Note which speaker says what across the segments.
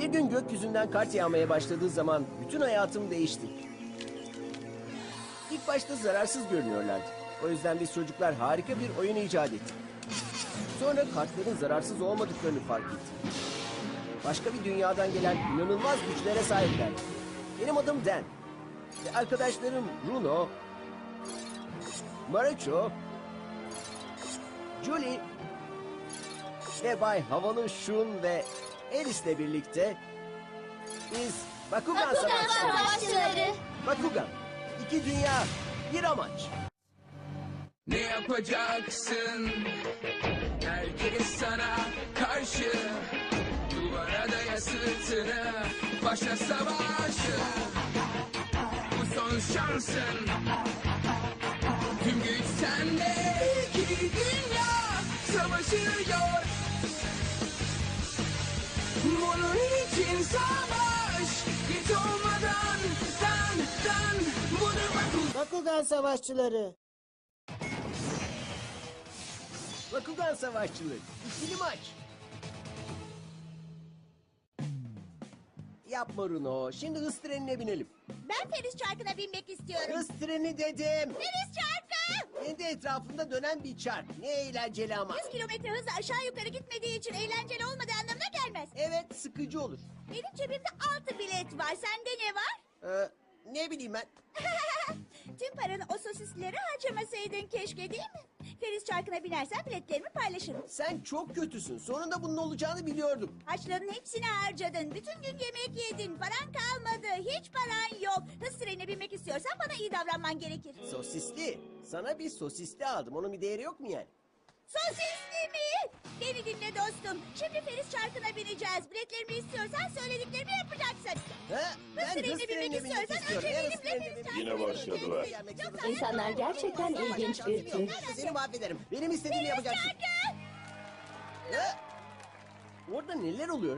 Speaker 1: Bir gün gökyüzünden kart yağmaya başladığı zaman bütün hayatım değişti. İlk başta zararsız görünüyorlardı. O yüzden biz çocuklar harika bir oyun icat ettik. Sonra kartların zararsız olmadıklarını fark ettim. Başka bir dünyadan gelen inanılmaz güçlere sahipler. Benim adım Dan. Ve arkadaşlarım Bruno, Marucho, Julie ve Bay Havalı Shun ve Alice'le birlikte biz Bakugan Savaşçıları. Bakugan, iki dünya, bir amaç.
Speaker 2: Ne yapacaksın? Herkes sana karşı. Duvara daya sırtını, başla savaşı. Bu son şansın. Tüm güç sende. İki dünya savaşıyor. Bunun için savaş. Git olmadan dan budur
Speaker 3: Bakugan Savaşçıları.
Speaker 1: Bakugan Savaşçıları, ikili maç. Yapma Runo, şimdi hız trenine binelim.
Speaker 4: Ben Feriz Çarkı'na binmek istiyorum.
Speaker 1: Hız treni dedim.
Speaker 4: Feriz Çarkı!
Speaker 1: Kendi etrafında dönen bir çark. Ne eğlenceli ama.
Speaker 4: 100 kilometre hızla aşağı yukarı gitmediği için eğlenceli olmadığı anlamına gelmez.
Speaker 1: Evet, sıkıcı olur.
Speaker 4: Benim cebimde 6 bilet var. Sende ne var?
Speaker 1: Ne bileyim ben.
Speaker 4: Tüm paranı o sosisleri harcamasaydın keşke, değil mi? Feriz Çarkı'na binersen biletlerimi paylaşırım.
Speaker 1: Sen çok kötüsün. Sonunda bunun olacağını biliyordum.
Speaker 4: Harçların hepsini harcadın. Bütün gün yemek yedin. Paran kalmadı. Hiç paran yok. Hız trenine binmek istiyorsan bana iyi davranman gerekir.
Speaker 1: Sosisli. Sana bir sosisli aldım. Onun bir değeri yok mu yani?
Speaker 4: Sosisli mi? Beni dinle dostum. Şimdi Feriz Çarkı'na bineceğiz. Biletlerimi istiyorsan söylediklerimi yapacaksın.
Speaker 1: Ha? Ben
Speaker 4: trenine
Speaker 1: hız trenine
Speaker 4: binmek
Speaker 1: binmek
Speaker 4: istiyorsan
Speaker 1: istiyorum.
Speaker 4: önce
Speaker 1: Ben
Speaker 4: benimle
Speaker 1: hız trenine
Speaker 4: Feriz
Speaker 1: binmek
Speaker 4: Çarkı'na
Speaker 5: Yine başladılar.
Speaker 4: bineceksin.
Speaker 6: İnsanlar gerçekten ilginç bir tür.
Speaker 1: Seni mahvederim. Benim istediğimi yapacaksın.
Speaker 4: Çarkı!
Speaker 1: Ha? Orada neler oluyor?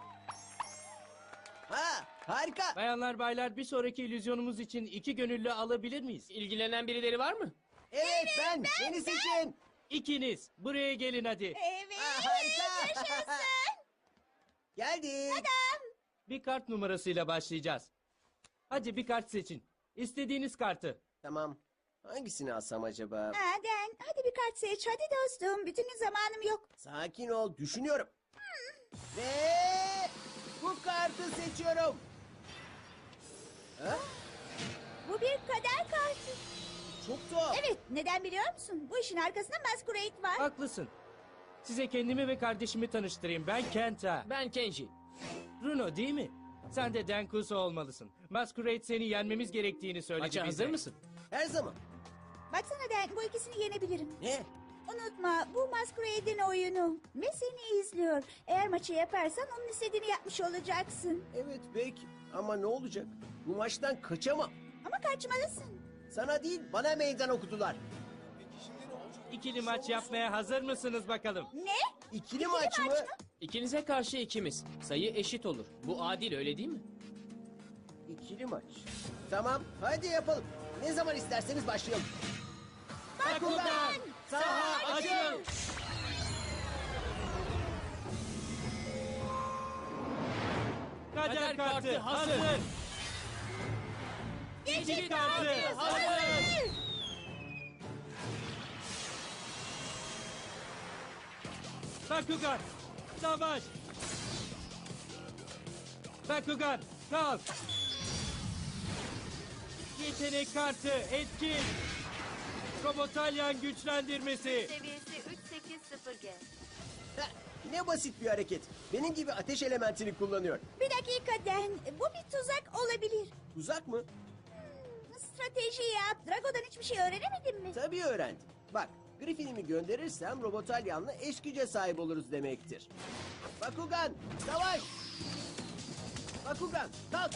Speaker 1: Ha, harika.
Speaker 7: Bayanlar baylar bir sonraki illüzyonumuz için 2 gönüllü alabilir miyiz?
Speaker 8: İlgilenen birileri var mı?
Speaker 1: Evet, ben. Beni seçin.
Speaker 7: İkiniz buraya gelin hadi.
Speaker 4: Evet.
Speaker 1: Ha, harika.
Speaker 4: Yaşasın.
Speaker 1: Geldik.
Speaker 7: Bir kart numarasıyla başlayacağız. Hadi bir kart seçin. İstediğiniz kartı.
Speaker 1: Tamam. Hangisini alsam acaba?
Speaker 4: Aden, hadi bir kart seç. Hadi dostum. Bütün gün zamanım yok.
Speaker 1: Sakin ol, düşünüyorum. Ve bu kartı seçiyorum. Ha?
Speaker 4: Bu bir kader kartı.
Speaker 1: Çok tuhaf.
Speaker 4: Evet, neden biliyor musun? Bu işin arkasında Masquerade var.
Speaker 7: Haklısın. Size kendimi ve kardeşimi tanıştırayım. Ben Kenta.
Speaker 8: Ben Kenji.
Speaker 7: Runo değil mi? Sen de Denkuso olmalısın. Masquerade seni yenmemiz gerektiğini söyledi
Speaker 8: Maça
Speaker 7: bize.
Speaker 8: hazır mısın?
Speaker 1: Her zaman.
Speaker 4: Baksana Den, bu ikisini yenebilirim.
Speaker 1: Ne?
Speaker 4: Unutma, bu Masquerade'in oyunu. Ve seni izliyor. Eğer maçı yaparsan onun istediğini yapmış olacaksın.
Speaker 1: Evet peki. Ama ne olacak? Bu maçtan kaçamam.
Speaker 4: Ama kaçmalısın.
Speaker 1: Sana değil, bana meydan okudular.
Speaker 7: İkili maç yapmaya hazır mısınız bakalım?
Speaker 4: Ne?
Speaker 1: İkili maç mı?
Speaker 8: İkinize karşı ikimiz. Sayı eşit olur. Bu adil, öyle değil mi?
Speaker 1: İkili maç. Tamam, hadi yapalım. Ne zaman isterseniz başlayalım.
Speaker 4: Bakugan!
Speaker 1: Saha
Speaker 7: açıl! Kader kartı hazır.
Speaker 4: Geçit
Speaker 7: kartı hazır. Bakugan, savaş. Bakugan, kalk. Yetenek kartı, etkin. Robotalyan güçlendirmesi.
Speaker 9: Seviyesi 380G.
Speaker 1: Heh, ne basit bir hareket. Benim gibi ateş elementini kullanıyor.
Speaker 4: Bir dakika Den, bu bir tuzak olabilir.
Speaker 1: Tuzak mı?
Speaker 4: Strateji yap. Drago'dan hiçbir şey öğrenemedin mi?
Speaker 1: Tabii öğrendim. Bak, Griffin'imi gönderirsem Robotalyan'la eş güce sahip oluruz demektir. Bakugan, savaş! Bakugan, kalk!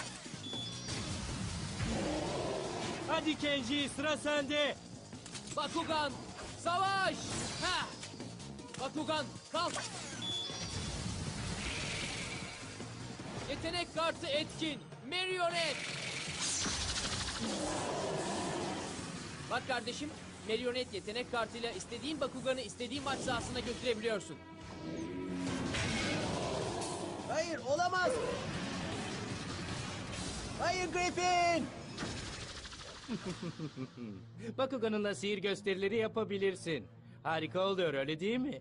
Speaker 7: Hadi Kenji, sıra sende.
Speaker 8: Bakugan, savaş! Ha! Bakugan, kalk! Yetenek kartı etkin. Marionet! Bak kardeşim, Marionet yetenek kartıyla istediğin Bakugan'ı istediğin maç sahasına götürebiliyorsun.
Speaker 1: Hayır! Hayır, olamaz. Hayır Griffin.
Speaker 7: Bakugan'ınla sihir gösterileri yapabilirsin. Harika oluyor öyle değil mi?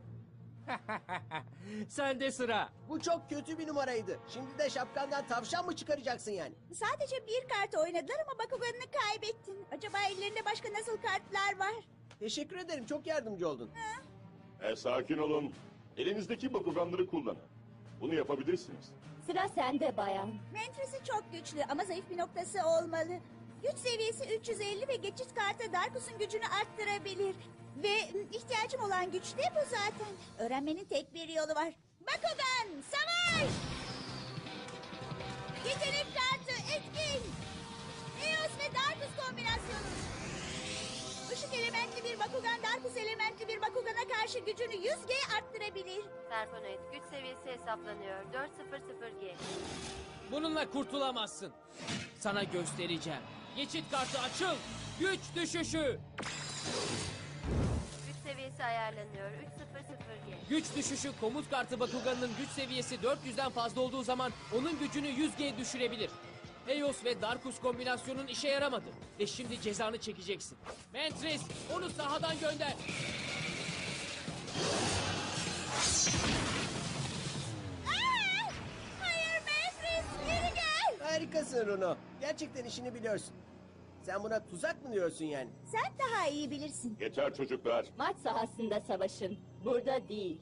Speaker 7: Sende sıra.
Speaker 1: Bu çok kötü bir numaraydı. Şimdi de şapkandan tavşan mı çıkaracaksın yani?
Speaker 4: Sadece bir kart oynadılar ama Bakugan'ını kaybettin. Acaba ellerinde başka nasıl kartlar var?
Speaker 1: Teşekkür ederim, çok yardımcı oldun.
Speaker 5: Sakin olun. Elinizdeki bakuganları kullanın. Bunu yapabilirsiniz.
Speaker 6: Sıra sende bayan.
Speaker 4: Mentresi çok güçlü ama zayıf bir noktası olmalı. Güç seviyesi 350 ve geçit kartı Darkus'un gücünü arttırabilir. Ve ihtiyacım olan güç de bu zaten. Öğrenmenin tek bir yolu var. Bakugan, savaş! Yetenek kartı etkin. Eos ve Darkus kombinasyonu. Işık elementli bir Bakugan, Darkus elementli bir Bakugan'a karşı gücünü 100G arttırabilir.
Speaker 9: Serponoid güç seviyesi hesaplanıyor. 400G.
Speaker 8: Bununla kurtulamazsın. Sana göstereceğim. Geçit kartı açıl. Güç düşüşü.
Speaker 9: Güç seviyesi ayarlanıyor. 300G.
Speaker 8: Güç düşüşü komut kartı Bakugan'ın güç seviyesi 400'den fazla olduğu zaman onun gücünü 100G düşürebilir. Eos ve Darkus kombinasyonun işe yaramadı. Ve şimdi cezanı çekeceksin. Mantris onu sahadan gönder.
Speaker 4: Aa! Hayır Mefris, geri gel.
Speaker 1: Harikasın Runo. Gerçekten işini biliyorsun. Sen buna tuzak mı diyorsun yani?
Speaker 4: Sen daha iyi bilirsin.
Speaker 5: Yeter çocuklar.
Speaker 6: Maç sahasında savaşın. Burada değil.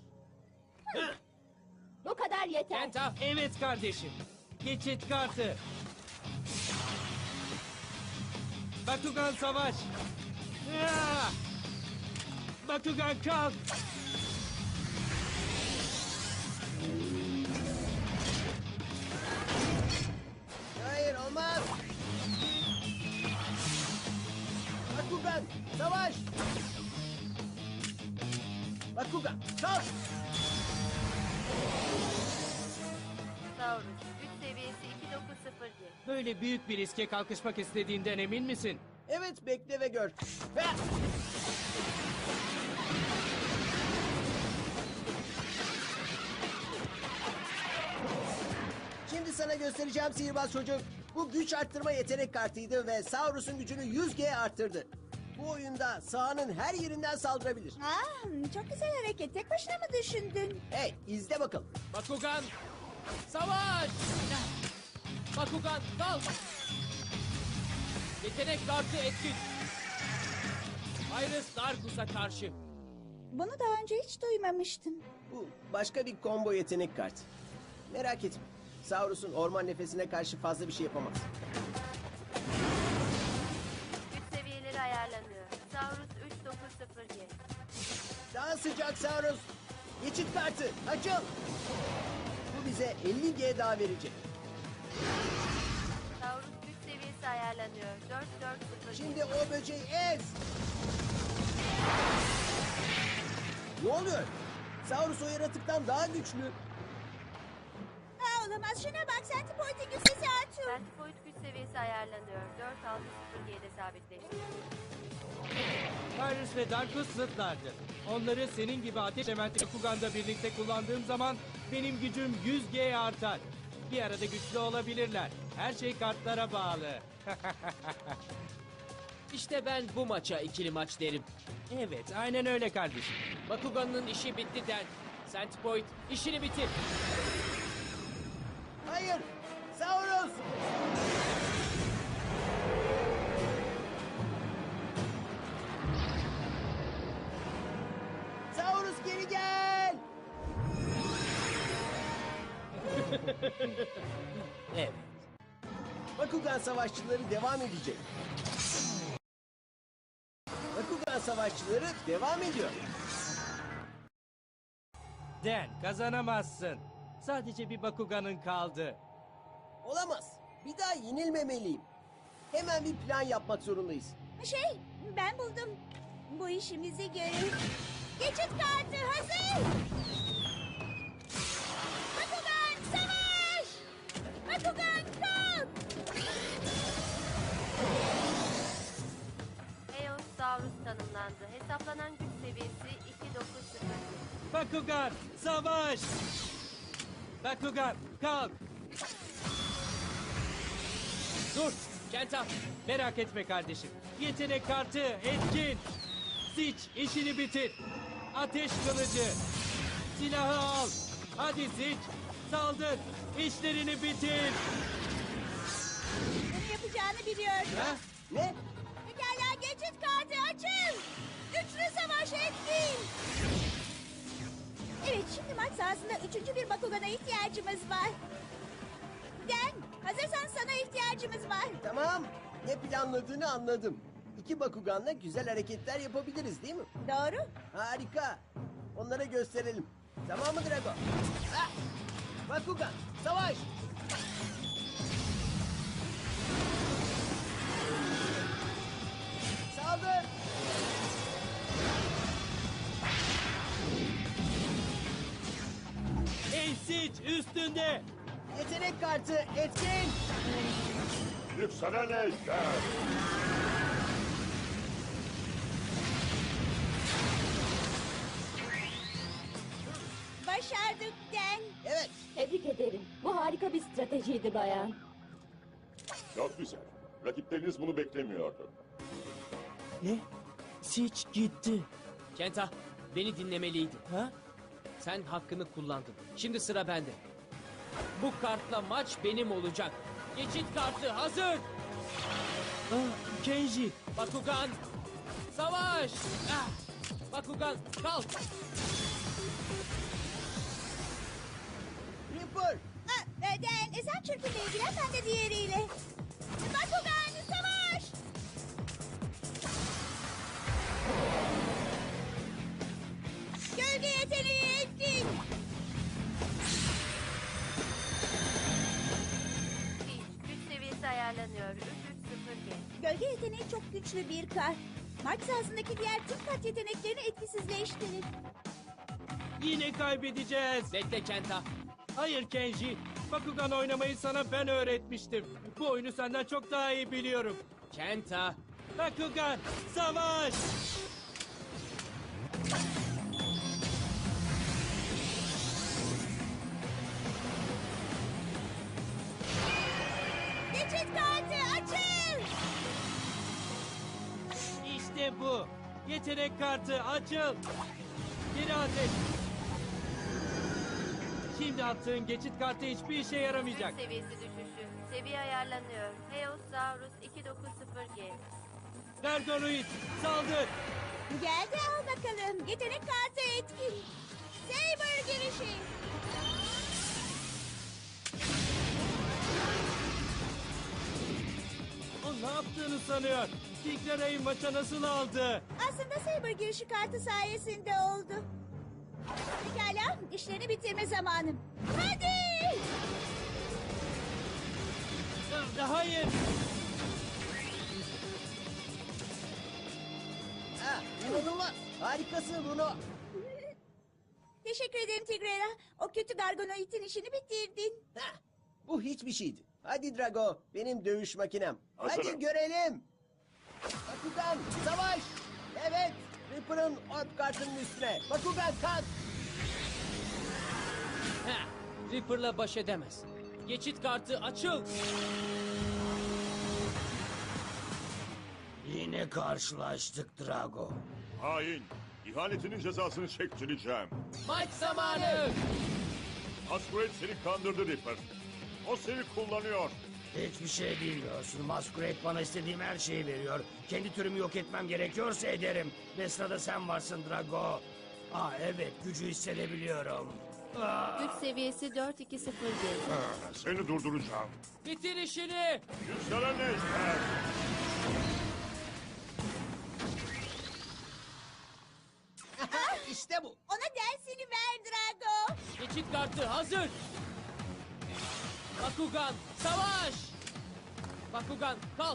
Speaker 6: Bu kadar yeter.
Speaker 8: Kenta
Speaker 7: Evet kardeşim. Geçit kartı. Bakugan savaş. Ya! Bakugan kalk.
Speaker 1: Hayır, olmaz. Bakugan, savaş. Bakugan, kalk.
Speaker 9: Saurus güç seviyesi 290G.
Speaker 7: Böyle büyük bir riske kalkışmak istediğinden emin misin?
Speaker 1: Evet, bekle ve gör. Ve... Şimdi sana göstereceğim sihirbaz çocuk. Bu güç arttırma yetenek kartıydı ve Saurus'un gücünü 100G arttırdı. Bu oyunda sahanın her yerinden saldırabilir.
Speaker 4: Çok güzel hareket. Tek başına mı düşündün?
Speaker 1: Hey, izle bakalım.
Speaker 8: Bakugan savaş. Bakugan kalk. Yetenek kartı etkin. Iris Darkus'a karşı.
Speaker 4: Bunu daha önce hiç duymamıştım.
Speaker 1: Bu başka bir combo yetenek kartı. Merak etme. Saurus'un orman nefesine karşı fazla bir şey yapamaz.
Speaker 9: Güç seviyeleri ayarlanıyor. Saurus 390G.
Speaker 1: Daha sıcak Saurus. Geçit kartı açıl. Bu bize 50G daha verecek.
Speaker 9: Saurus güç seviyesi ayarlanıyor. 440G.
Speaker 1: Şimdi o böceği ez. Ne oluyor? Saurus o yaratıktan daha güçlü.
Speaker 4: Olamaz. Şuna bak. Centipoint'in güç sesi artıyor.
Speaker 9: Centipoid güç seviyesi ayarlanıyor. 460G'de sabitleşti.
Speaker 7: Tyrus ve Darkus zıtlardır. Onları senin gibi ateş elementi Bakugan'da birlikte kullandığım zaman benim gücüm 100G artar. Bir arada güçlü olabilirler. Her şey kartlara bağlı.
Speaker 8: İşte ben bu maça ikili maç derim.
Speaker 7: Evet, aynen öyle kardeşim.
Speaker 8: Bakugan'ın işi bitti den. Centipoid işini bitir.
Speaker 1: Hayır. Saurus. Saurus geri gel.
Speaker 7: Evet.
Speaker 1: Bakugan savaşçıları devam edecek. Bakugan savaşçıları devam ediyor.
Speaker 7: Den, kazanamazsın. Sadece bir Bakugan'ın kaldı.
Speaker 1: Olamaz. Bir daha yenilmemeliyim. Hemen bir plan yapmak zorundayız.
Speaker 4: Ben buldum. Bu işimizi görür. Geçit kartı hazır. Bakugan savaş. Bakugan kalk.
Speaker 9: Eos Saurus tanımlandı. Hesaplanan güç seviyesi 290G.
Speaker 7: Bakugan, savaş! Bakugan, kalk.
Speaker 8: Dur, Kenta.
Speaker 7: Merak etme kardeşim. Yetenek kartı etkin. Siç işini bitir. Ateş kılıcı. Silahı al. Hadi Siç. Saldır. İşlerini bitir.
Speaker 4: Bunu yapacağını biliyordum.
Speaker 7: Ha?
Speaker 1: Ne?
Speaker 4: Pekala geçit kartı açın. Üçlü savaş etkin. Evet şimdi maç sahasında üçüncü bir Bakugan'a ihtiyacımız var. Den hazırsan sana ihtiyacımız var.
Speaker 1: Tamam. Ne planladığını anladım. İki Bakugan'la güzel hareketler yapabiliriz değil mi?
Speaker 4: Doğru.
Speaker 1: Harika. Onlara gösterelim. Tamam mı Drago? Ah! Bakugan, savaş! Saldır!
Speaker 7: Ey Siç üstünde.
Speaker 1: Yetenek kartı etkin!
Speaker 5: Yükselen ejder.
Speaker 4: Başardık Den.
Speaker 1: Evet,
Speaker 6: Tebrik ederim. Bu harika bir stratejiydi bayan.
Speaker 5: Çok güzel. Rakipleriniz bunu beklemiyordu.
Speaker 7: Ne? Siç gitti.
Speaker 8: Kenta, beni dinlemeliydin.
Speaker 7: Ha?
Speaker 8: Sen hakkını kullandın. Şimdi sıra bende. Bu kartla maç benim olacak. Geçit kartı hazır.
Speaker 7: Ah, Kenji.
Speaker 8: Bakugan, savaş. Ah! Bakugan, kalk.
Speaker 1: Reaper!
Speaker 4: Den sen çırpıyla ilgilen ben de diğeriyle. Bakugan savaş. Gölge yeteneği etkin.
Speaker 9: Güç seviyesi ayarlanıyor. 330G.
Speaker 4: Gölge yeteneği çok güçlü bir kart. Maç sahasındaki diğer tüm kart yeteneklerini etkisizleştirir.
Speaker 7: Yine kaybedeceğiz.
Speaker 8: Bekle Kenta.
Speaker 7: Hayır Kenji. Bakugan oynamayı sana ben öğretmiştim. Bu oyunu senden çok daha iyi biliyorum.
Speaker 8: Kenta.
Speaker 7: Bakugan, savaş!
Speaker 4: Geçit kartı açıl.
Speaker 7: İşte bu. Yetenek kartı açıl. Geri ateş. Şimdi attığın geçit kartı hiçbir işe yaramayacak.
Speaker 9: Güç seviyesi düşüşü. Seviye ayarlanıyor. Heosaurus 290G.
Speaker 7: Gargonoid, saldır.
Speaker 4: Geldi al bakalım. Yetenek kartı etkin. Saber girişi.
Speaker 7: O ne yaptığını sanıyor. Tigrera'yı maça nasıl aldı?
Speaker 4: Aslında Saber girişi kartı sayesinde oldu. Pekala işlerini bitirme zamanım. Hadi.
Speaker 7: Hayır.
Speaker 1: Ha, inanılmaz! Harikasın Bruno!
Speaker 4: Teşekkür ederim Tigrera. O kötü Gargonoid'in işini bitirdin.
Speaker 1: Ha, bu hiçbir şeydi. Hadi Drago, benim dövüş makinem.
Speaker 5: Hazırım.
Speaker 1: Hadi görelim! Bakugan, savaş! Evet, Reaper'ın orb kartının üstüne. Bakugan kalk!
Speaker 8: Heh, Reaper'la baş edemez. Geçit kartı açıl.
Speaker 10: Yine karşılaştık Drago.
Speaker 5: Hain. İhanetinin cezasını çektireceğim.
Speaker 8: Maç zamanı.
Speaker 5: Masquerade seni kandırdı Reaper. O seni kullanıyor.
Speaker 10: Hiçbir şey bilmiyorsun. Masquerade bana istediğim her şeyi veriyor. Kendi türümü yok etmem gerekiyorsa ederim. Ve sırada sen varsın Drago. Aa evet, gücü hissedebiliyorum.
Speaker 9: Güç seviyesi 420G.
Speaker 5: Seni durduracağım.
Speaker 8: Bitir işini.
Speaker 5: Yükselen ejder.
Speaker 1: İşte bu.
Speaker 4: Ona dersini ver Drago.
Speaker 8: Geçit kartı hazır. Bakugan, savaş. Bakugan, kalk.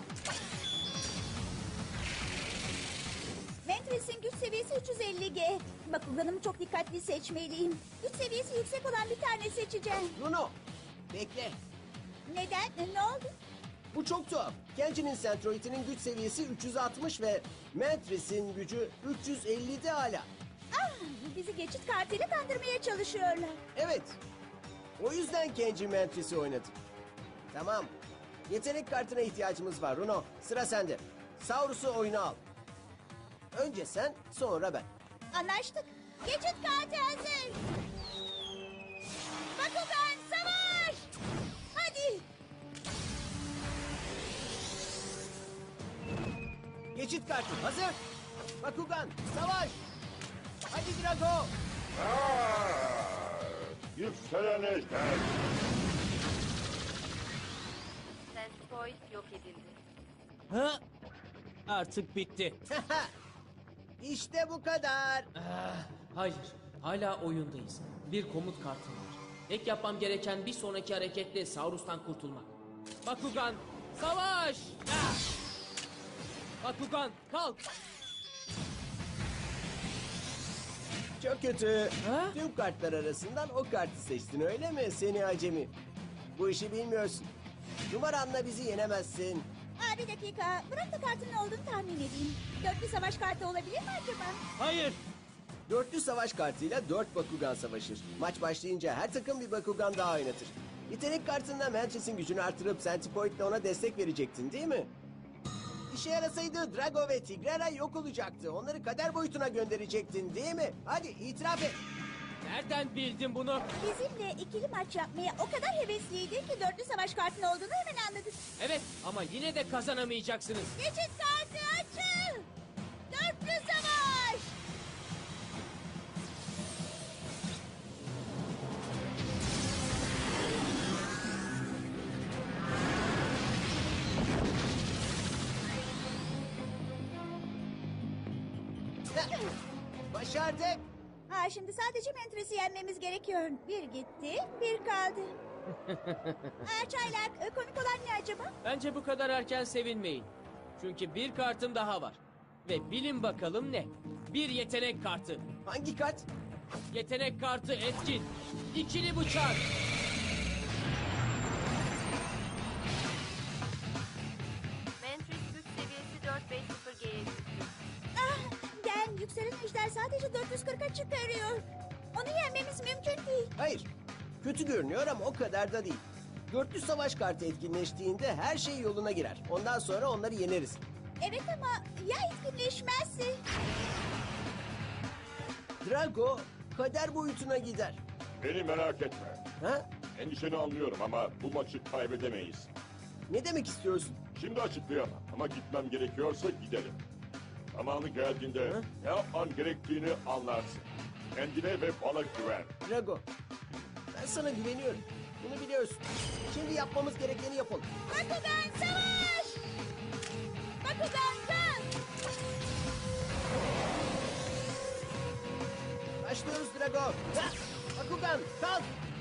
Speaker 4: Ventress'in güç seviyesi 350G. Bakuganımı çok dikkatli seçmeliyim. Güç seviyesi yüksek olan bir tane seçeceğim.
Speaker 1: Bruno, bekle.
Speaker 4: Neden? Ne oldu?
Speaker 1: Bu çok tuhaf. Kenji'nin Centroid'inin güç seviyesi 360 ve Mantris'in gücü 350'de hala.
Speaker 4: Ah, bizi geçit kartıyla kandırmaya çalışıyorlar.
Speaker 1: Evet. O yüzden Kenji Mantris'i oynadı. Tamam. Yetenek kartına ihtiyacımız var Runo. Sıra sende. Saurus'u oyuna al. Önce sen, sonra ben.
Speaker 4: Anlaştık. Geçit kartı hazır. Bakugan savaş. Hadi.
Speaker 1: Geçit kartı hazır. Bakugan, savaş. Hadi Drago.
Speaker 5: Yükselen ejder.
Speaker 9: Sandpoint yok edildi.
Speaker 8: Ha? Artık bitti.
Speaker 1: İşte bu kadar.
Speaker 8: Hayır, hala oyundayız. Bir komut kartım var. Tek yapmam gereken bir sonraki hareketle Saurus'tan kurtulmak. Bakugan, savaş! Ah! Bakugan, kalk!
Speaker 1: Çok kötü.
Speaker 8: Ha?
Speaker 1: Tüm kartlar arasından o kartı seçtin öyle mi seni acemi? Bu işi bilmiyorsun. Numaranla bizi yenemezsin.
Speaker 4: Aa, bir dakika. Bırak da kartın ne olduğunu tahmin edeyim. Dörtlü savaş kartı olabilir mi acaba?
Speaker 7: Hayır.
Speaker 1: Dörtlü savaş kartıyla 4 Bakugan savaşır. Maç başlayınca her takım bir Bakugan daha oynatır. Yetenek kartında Mantris'in gücünü artırıp Centipoint'le ona destek verecektin değil mi? İşe yarasaydı Drago ve Tigrera yok olacaktı. Onları kader boyutuna gönderecektin değil mi? Hadi itiraf et.
Speaker 8: Nereden bildin bunu?
Speaker 4: Bizimle ikili maç yapmaya o kadar hevesliydin ki dörtlü savaş kartın olduğunu hemen anladık.
Speaker 8: Evet, ama yine de kazanamayacaksınız.
Speaker 4: Geçit kartı açıl. Dörtlü savaş.
Speaker 1: Başardık.
Speaker 4: Ha, şimdi sadece Mantris'i yenmemiz gerekiyor. Bir gitti, bir kaldı. Çaylak, komik olan ne acaba?
Speaker 8: Bence bu kadar erken sevinmeyin. Çünkü bir kartım daha var. Ve bilin bakalım ne? Bir yetenek kartı.
Speaker 1: Hangi kart?
Speaker 8: Yetenek kartı etkin. İkili bıçak.
Speaker 9: Mantris güç seviyesi 450G'ye çıktı.
Speaker 4: Ah, Gen, yükselen ejder sadece 440'a çıkarıyor. Onu yenmemiz mümkün değil.
Speaker 1: Hayır. Kötü görünüyor ama o kadar da değil. Dörtlü savaş kartı etkinleştiğinde her şey yoluna girer. Ondan sonra onları yeneriz.
Speaker 4: Evet ama ya etkinleşmezse?
Speaker 1: Drago kader boyutuna gider.
Speaker 5: Beni merak etme.
Speaker 1: Ha?
Speaker 5: Endişeni anlıyorum ama bu maçı kaybedemeyiz.
Speaker 1: Ne demek istiyorsun?
Speaker 5: Şimdi açıklayamam ama gitmem gerekiyorsa gidelim. Zamanı geldiğinde ne yapman gerektiğini anlarsın. Kendine ve bana güven.
Speaker 1: Drago, ben sana güveniyorum. Bunu biliyorsun. Şimdi yapmamız gerekeni yapalım.
Speaker 4: Bakugan savaş! Bakugan kalk!
Speaker 1: Başlıyoruz Drago. Ha! Bakugan kalk.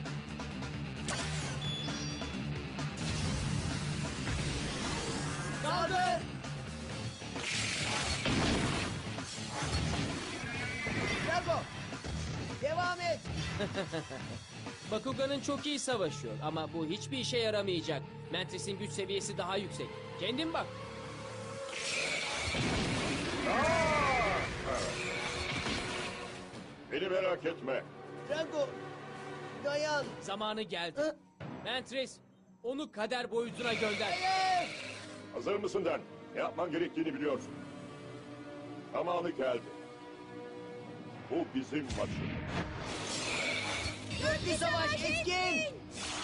Speaker 1: Kaldır. Drago, devam et.
Speaker 8: Bakugan'ın çok iyi savaşıyor ama bu hiçbir işe yaramayacak. Mantris'in güç seviyesi daha yüksek. Kendin bak.
Speaker 5: Beni merak etme.
Speaker 1: Drago, dayan.
Speaker 8: Zamanı geldi.
Speaker 1: Hı?
Speaker 8: Mantris, onu kader boyutuna gönder.
Speaker 1: Hayır.
Speaker 5: Hazır mısın Den? Ne yapman gerektiğini biliyorsun. Zamanı geldi. Bu bizim maçımız.
Speaker 1: Dörtlü savaş etkin.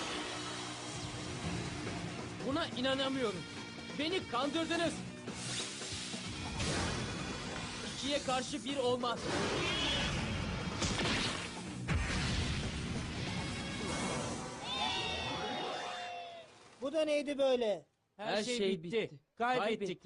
Speaker 8: Buna inanamıyorum. Beni kandırdınız. İkiye karşı bir olmaz.
Speaker 3: Bu da neydi böyle?
Speaker 7: Her şey bitti. Kaybettik.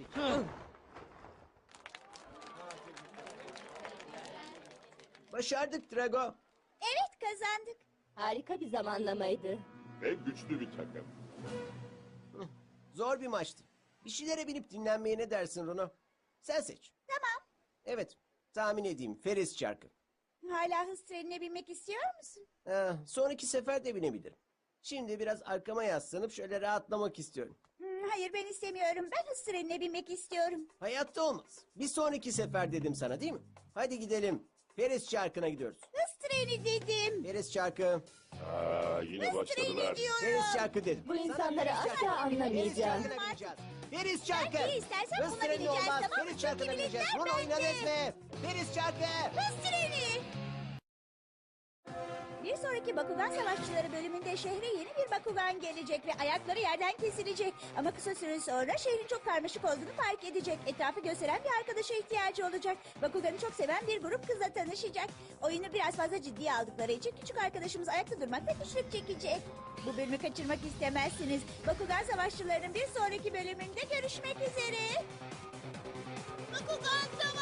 Speaker 1: Başardık Drago.
Speaker 4: Evet kazandık.
Speaker 6: Harika bir zamanlamaydı.
Speaker 5: Ve güçlü bir takım.
Speaker 1: Zor bir maçtı. Bir şeylere binip dinlenmeye ne dersin Runo? Sen seç.
Speaker 4: Tamam.
Speaker 1: Evet, tahmin edeyim. Feris çarkı.
Speaker 4: Hala hız trenine binmek istiyor musun?
Speaker 1: Sonraki sefer de binebilirim. Şimdi biraz arkama yaslanıp şöyle rahatlamak istiyorum.
Speaker 4: Hayır ben istemiyorum. Ben hız trenine binmek istiyorum.
Speaker 1: Hayatta olmaz. Bir sonraki sefer dedim sana değil mi? Hadi gidelim. Feris çarkına gidiyoruz.
Speaker 4: Hız treni dedim.
Speaker 1: Deniz çarkı.
Speaker 5: Yine
Speaker 4: Hız
Speaker 5: başladılar.
Speaker 4: treni diyorum.
Speaker 1: Deniz çarkı dedim.
Speaker 6: Bu insanları
Speaker 1: Sana deniz
Speaker 6: asla
Speaker 1: çarkı.
Speaker 6: anlamayacağım.
Speaker 1: Deniz çarkına bineceğiz. Deniz çarkı.
Speaker 4: Ben neyi istersem
Speaker 1: Hız
Speaker 4: buna
Speaker 1: treni
Speaker 4: bineceğiz,
Speaker 1: olmaz.
Speaker 4: tamam mı?
Speaker 1: Deniz çarkına
Speaker 4: Çünkü
Speaker 1: bineceğiz.
Speaker 4: biletler
Speaker 1: Bunu
Speaker 4: bende.
Speaker 1: oynadınız mı? Deniz çarkı.
Speaker 4: Hız treni. Bir sonraki Bakugan Savaşçıları bölümünde şehre yeni bir Bakugan gelecek ve ayakları yerden kesilecek. Ama kısa süre sonra şehrin çok karmaşık olduğunu fark edecek. Etrafı gösteren bir arkadaşa ihtiyacı olacak. Bakugan'ı çok seven bir grup kızla tanışacak. Oyunu biraz fazla ciddiye aldıkları için küçük arkadaşımız ayakta durmakta güçlük çekecek. Bu bölümü kaçırmak istemezsiniz. Bakugan Savaşçıları'nın bir sonraki bölümünde görüşmek üzere. Bakugan Savaşçıları!